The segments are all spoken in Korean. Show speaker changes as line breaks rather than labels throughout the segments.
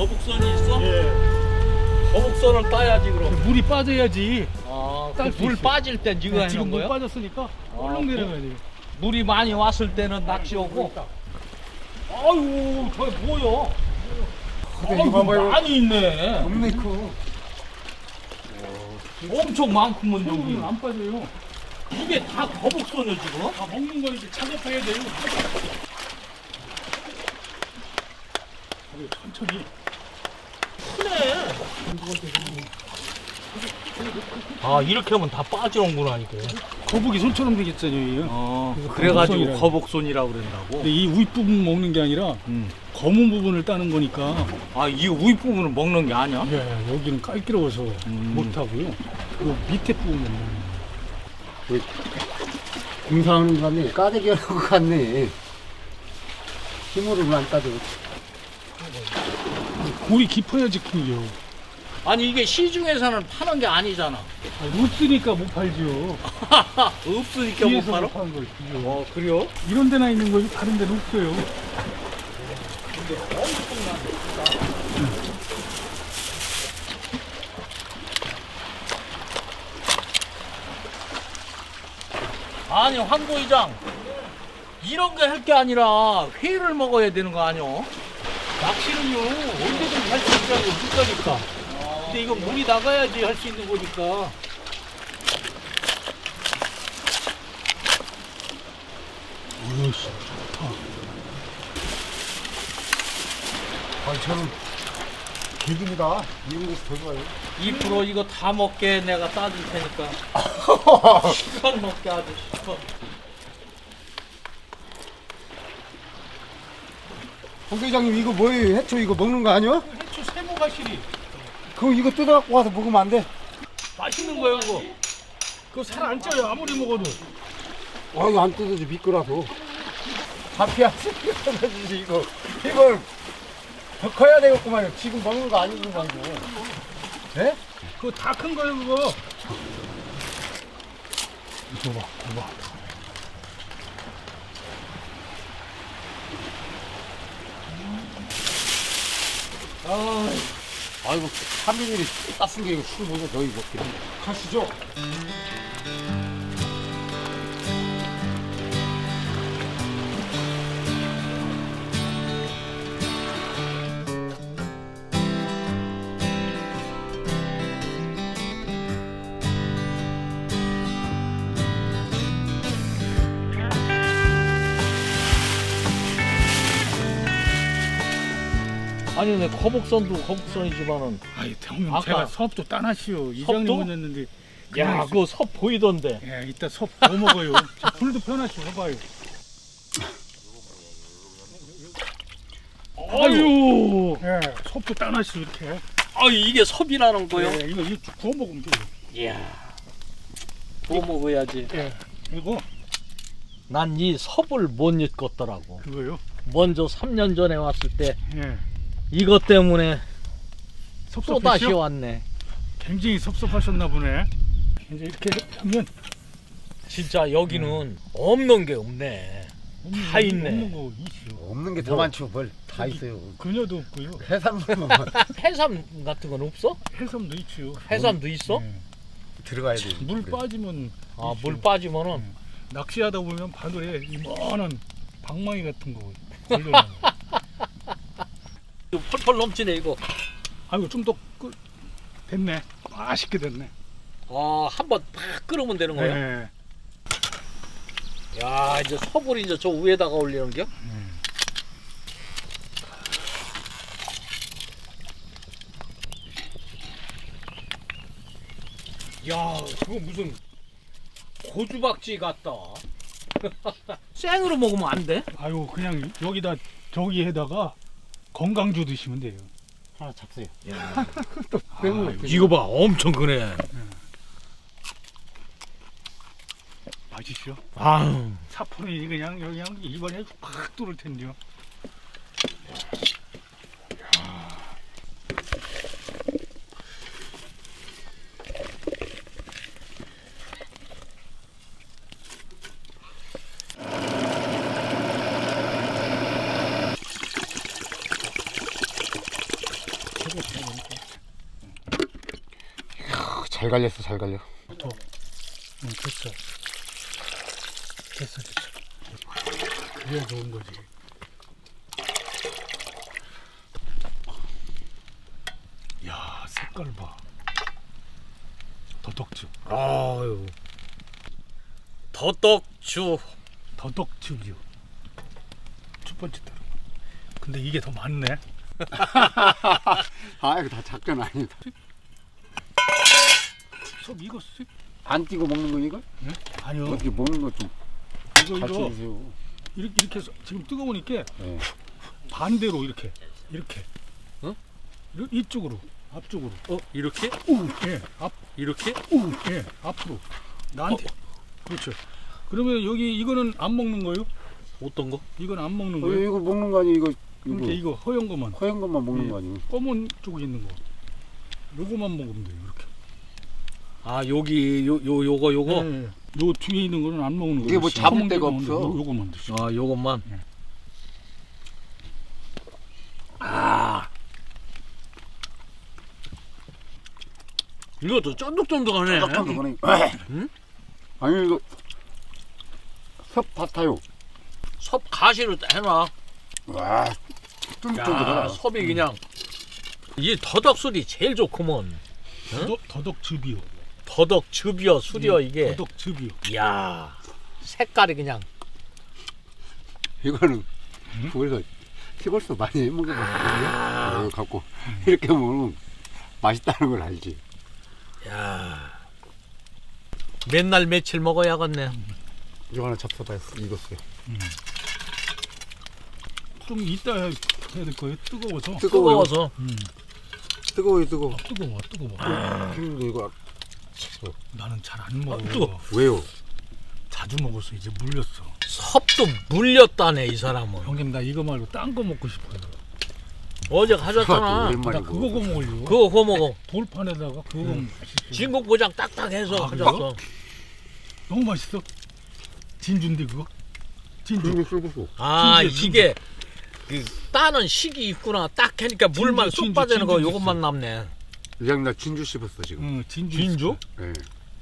거북선이 있어?
예.
거북선을 따야지 그럼.
물이 빠져야지.
아,
딸
물
수 있어.
빠질 땐 이거 하는
지금 물
거야?
빠졌으니까 얼른 내려가야 돼.
물이 많이 왔을 때는 낚시 오고. 아유, 저게 뭐야? 아유,
봐봐요.
많이 있네.
없네 크.
엄청 많구먼
여기
여기.
안 빠져요.
이게 다 거북선이야 지금?
다 먹는 거 이제 작업해야 돼요. 천천히.
크네. 아, 이렇게 하면 다 빠지는구나 이게.
거북이 손처럼 되겠잖아요. 그래서
그래가지고
거북선이라고.
거북선이라고 그런다고.
근데 이 윗부분 먹는 게 아니라 검은 부분을 따는 거니까.
아, 이 윗부분은 먹는 게 아니야?
예, 여기는 깔기러워서 못 하고요. 그 밑에 부분은 먹는 거예요.
공사하는 사람이 까대기 하는 것 같네. 힘으로는 안 따져.
골이 깊어야지 큰겨.
아니 이게 시중에서는 파는 게 아니잖아.
없으니까 못 팔지요.
없으니까 못
뒤에서
팔아?
못 파는 거지.
어, 그래요?
이런 데나 있는 거지 다른 데는 없어요.
아니 황 부의장, 이런 거 할 게 아니라 회를 먹어야 되는 거 아니오? 낚시는요 언제든 할 수 있다고 물가니까. 근데 이거 물이 나가야지 할 수 있는 거니까.
어이씨, 좋다.
아, 저는 개구리다. 이런 것이 더 좋아요.
2% 이거 다 먹게 내가 따줄 테니까. 시간 먹게 아주 시간.
홍 회장님 이거 뭐예요? 해초 이거 먹는 거 아니야?
해초 세모가시리.
그럼 이거 뜯어갖고 와서 먹으면 안 돼?
맛있는 거예요, 그거. 그거 살 안 쪄요, 아무리 먹어도.
아, 이거 안 뜯어져 미끄러서. 잡혀야지 뜯어주지 이거. 이걸 더 커야 되겠구만요. 지금 먹는 거 아니구만 이거. 예?
그거 다 큰 거예요, 그거. 이거 봐, 이거 봐.
아이고 3일이 땄은 게 이거 술 먹어 너희 먹기로.
가시죠.
아니 근데 거북선도 거북선이지만은
아이, 형님,
아까
제가 섭도 따놨시오. 이장님 오셨는데.
야 그거 섭 보이던데.
예, 이따 섭 더 먹어요. 저 불도 펴놨시오, 해봐요.
아유,
예, 섭도 따놨시오, 이렇게.
아 이게 섭이라는 거요?
예, 이거 구워 먹으면 돼요.
이야, 뭐 먹어야지.
예, 이거,
난 이 섭을 못 잊겠더라고.
그거요.
먼저 3년 전에 왔을 때
예.
이것 때문에
섭섭하시오?
또 다시 왔네.
굉장히 섭섭하셨나 보네. 이제 이렇게 하면
진짜 여기는 없는 게 없네. 다 있네.
없는 거 있어.
없는 게 더 많죠. 뭘 다 있어요.
그녀도 없고요.
해산물만
해삼 같은 건 없어?
해삼도 있지요.
해삼도 있어?
예.
들어가야 돼.
물 빠지면
아,
있죠.
물 빠지면은
낚시하다 보면 바늘에 이만한 방망이 같은 거 걸려요.
이거 펄펄 넘치네 이거.
아이고 좀 더 됐네. 맛있게 됐네.
아, 한번 팍 끓으면 되는 거야?
네.
야, 이제 섭을 이제 저 위에다가 올리는 겨? 야, 그거 무슨 고주박쥐 같다. 생으로 먹으면 안 돼?
아유 그냥 여기다 저기에다가 건강주 드시면 돼요.
하나 잡세요.
아,
이거 봐, 엄청 크네.
맛있죠?
아유.
사포는 그냥 입안에 확 뚫을 텐데요.
잘 갈렸어, 잘 갈려.
더. 응, 됐어. 됐어. 그래야 좋은 거지. 야, 색깔 봐. 더덕즙.
아유. 더덕주.
더덕즙이요. 첫 번째 따로. 근데 이게 더 많네.
아, 이거 다 작전 아니다.
섭 익었어?
안 띄고 먹는 거 이거?
응? 아니요.
어떻게 먹는 거 좀
이거
가르쳐주세요.
이렇게 해서 지금 뜨거우니까
네.
반대로 이렇게.
어?
이쪽으로. 앞쪽으로.
이렇게?
예.
이렇게?
예. 앞으로. 나한테. 그렇죠. 그러면 여기 이거는 안 먹는 거요?
어떤 거?
이건 안 먹는 거예요?
이거 먹는 거 아니야? 이거
그러니까 이거 허연 거만.
허연 것만 먹는
예.
거 아니야?
검은 쪽에 있는 거. 요거만 먹으면 돼요. 이렇게.
아 여기 요거
예. 요 뒤에 있는 거는 안 먹는 거예요.
이게 뭐 잡을
검은
데가
게 먹는
없어.
거, 요거만 드시고.
아 요것만.
네.
아 이것도 쫀득쫀득하네.
쫀득쫀득하네.
응?
아니 이거 섭 같아요.
섭 가시로 해놔.
와,
야
쫀득쫀득하다.
섭이 그냥 이 더덕술이 제일 좋구먼.
더덕즙이요.
더덕즙이여 술이여 이게.
더덕즙이요.
이야 색깔이 그냥.
이거는 우리가 시골서 많이 해 먹어봤거든요. 이거 갖고 이렇게 먹으면 맛있다는 걸 알지.
야 맨날 며칠 먹어야겠네.
이거 하나 잡숴봐요. 익었어요.
좀 이따 해야 될 거예요. 뜨거워서.
뜨거워서.
뜨거워요, 뜨거워.
뜨거워.
피우도 이거
나는 잘 안 먹어.
뜨거워.
왜요?
자주 먹어서 이제 물렸어.
섭도 물렸다네 이 사람은.
형님 나 이거 말고 딴 거 먹고 싶어요.
어제 가졌잖아.
나
오랜만이고.
그거 먹으려고.
그거 구워 먹어.
돌판에다가 그거 맛있어.
진국보장 딱딱해서
아,
가졌어.
너무 맛있어. 진주인데 그거? 진주.
그리고 sul고
아
진주,
이게 그 따는 식이 있구나. 딱 하니까 물만 쏙
진주,
빠지는 거
진주
요것만 남네.
이장 나 진주 씹었어 지금.
응, 진주.
진주?
있어.
네.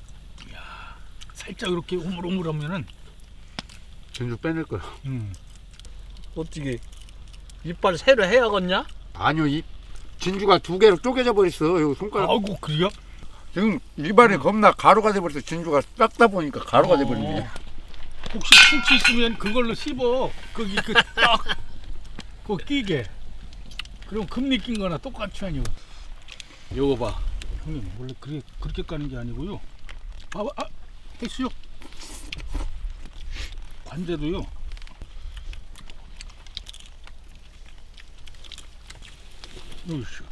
살짝 이렇게 오물오물하면은.
진주 빼낼 거야.
어떻게 이빨 새로 해야겠냐?
아니요, 이 진주가 두 개로 쪼개져 버렸어. 여기 손가락.
아이고 그래요?
지금 입안에 겁나 가루가 돼버렸어. 진주가 닦다 보니까 가루가 돼버리네.
혹시 충치 있으면 그걸로 씹어. 거기 그딱 그거 끼게. 그럼 금리 낀 거나 똑같이 아니요.
요거 봐.
형님 원래 그렇게 까는 게 아니고요. 했어요. 관제도요. 요시.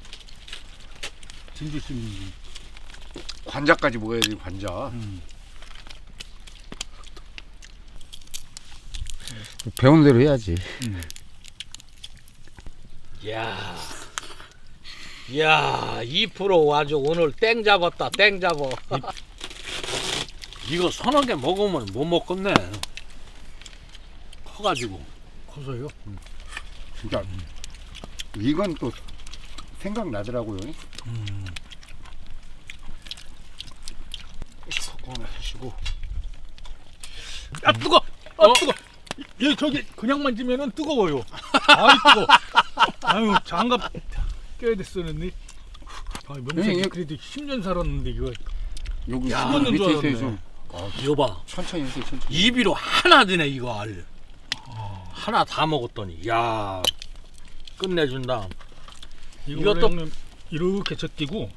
진주 씹는
관자까지 먹어야 돼, 관자. 배운 대로 해야지.
야, 2% 아주 오늘 땡 잡았다. 땡 잡어. 이거 서너 개 먹으면 못 먹겠네. 커가지고.
커서요.
진짜 이건 또 생각나더라고요.
하나 하시고. 아 뜨거. 뜨거. 얘 저기 그냥 만지면은 뜨거워요. 아이 뜨거. 아유 장갑 껴야 됐었는데. 아 명색이
예.
그래도 10년 살았는데 이거.
여기
야,
시간
이건 줄
밑에서
알았네.
좀
이거 봐.
천천히 해서 천천히.
입이로 하나 드네 이거 알. 하나 다 먹었더니 야 끝내준다.
이것도
이것도-
형님 이렇게 젖기고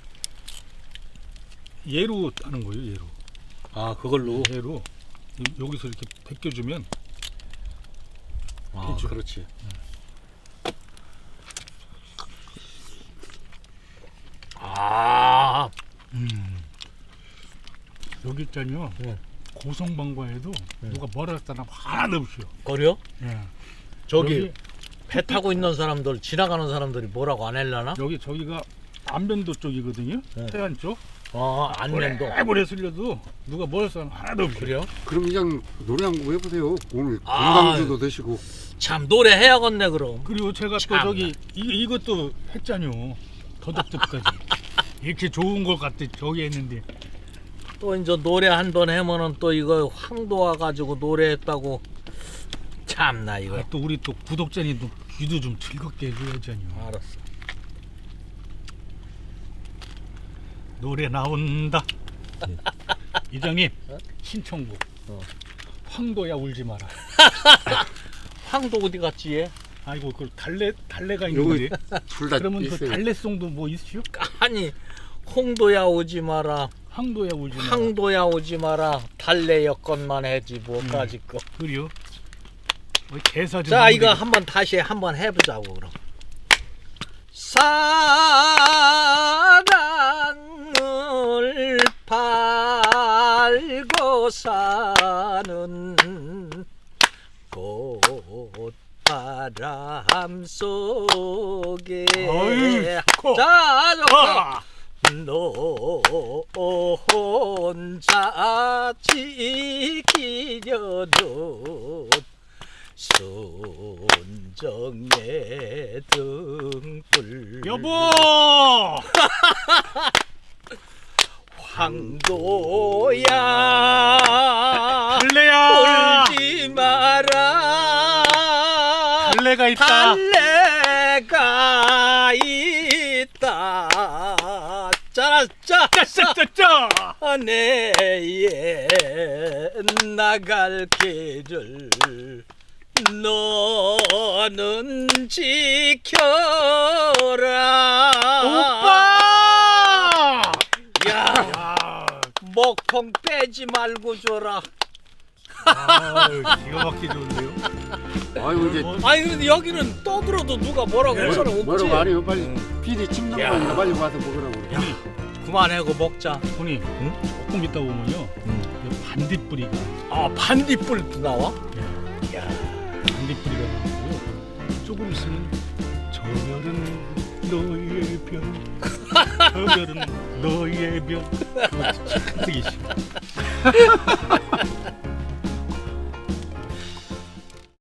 얘로 따는 거예요. 얘로.
아 그걸로.
얘로 여기서 이렇게 벗겨주면.
아
해줘.
그렇지. 아
여기 있잖아요. 고성방과에도 누가 뭐라 했다나 하나도 없어요.
거려?
예.
저기
여기,
배 타고 있는 사람들 지나가는 사람들이 뭐라고 안 할라나?
저기가 안변도 쪽이거든요.
네.
태안 쪽.
안면도.
오래 쓸려도 누가 뭐라 했다나 하나도 없어요.
그래요?
그럼 이장 노래 한 곡 해보세요. 오늘
아.
건강주도 드시고.
참 노래 해야겠네 그럼.
그리고 제가 또
참나.
저기 이것도 했잖요. 더덕즙까지. 이렇게 좋은 것 같아 저기 했는데.
또 이제 노래 한 번 하면은 또 이거 황도 와가지고 노래했다고 참나 이거.
아, 또 우리 또 구독자님 또 귀도 좀 즐겁게 해줘야잖요.
알았어.
노래 나온다. 이장님 신청곡. 황도야 울지 마라.
황도 어디 갔지 얘?
아이고 그 달래가 있는데.
둘다
그러면 그 달래송도 뭐 있으요?
아니 홍도야 오지 마라.
황도야 울지 마라.
황도야 오지 마라. 달래 여건만 해지 뭐까지 거.
그래요? 뭐 개사 좀.
자
한번
이거
해줘.
한번 다시 한번 해보자고 그럼. 사랑을 팔고 사는 꽃바람 속에
어이, 좋고.
자
아!
너 혼자 지키려던 순정의 등불
여보.
황도야
달래야.
울지 마라.
달래가 있다.
달래가 있다.
짜짜짜짜.
내 나갈 길을 너는 지켜라.
오빠.
야
아,
먹통 빼지 말고 줘라.
기가 막히게 좋은데요.
아이고 이제
아니 근데 여기는 떠들어도 누가 뭐라고 할 사람 없지.
뭐라고 안 해요. 빨리 PD 침낭
야.
거니까 빨리 와서 먹으라고. 그래.
그만하고 먹자.
형님, 조금 있다 보면요, 이 반딧불이가,
아 반딧불도 나와? 야
반딧불이가 나오고요. 조금 있으면 저 별은 너의 별, 저 별은 너의 별. 그거 참 되게 싫어.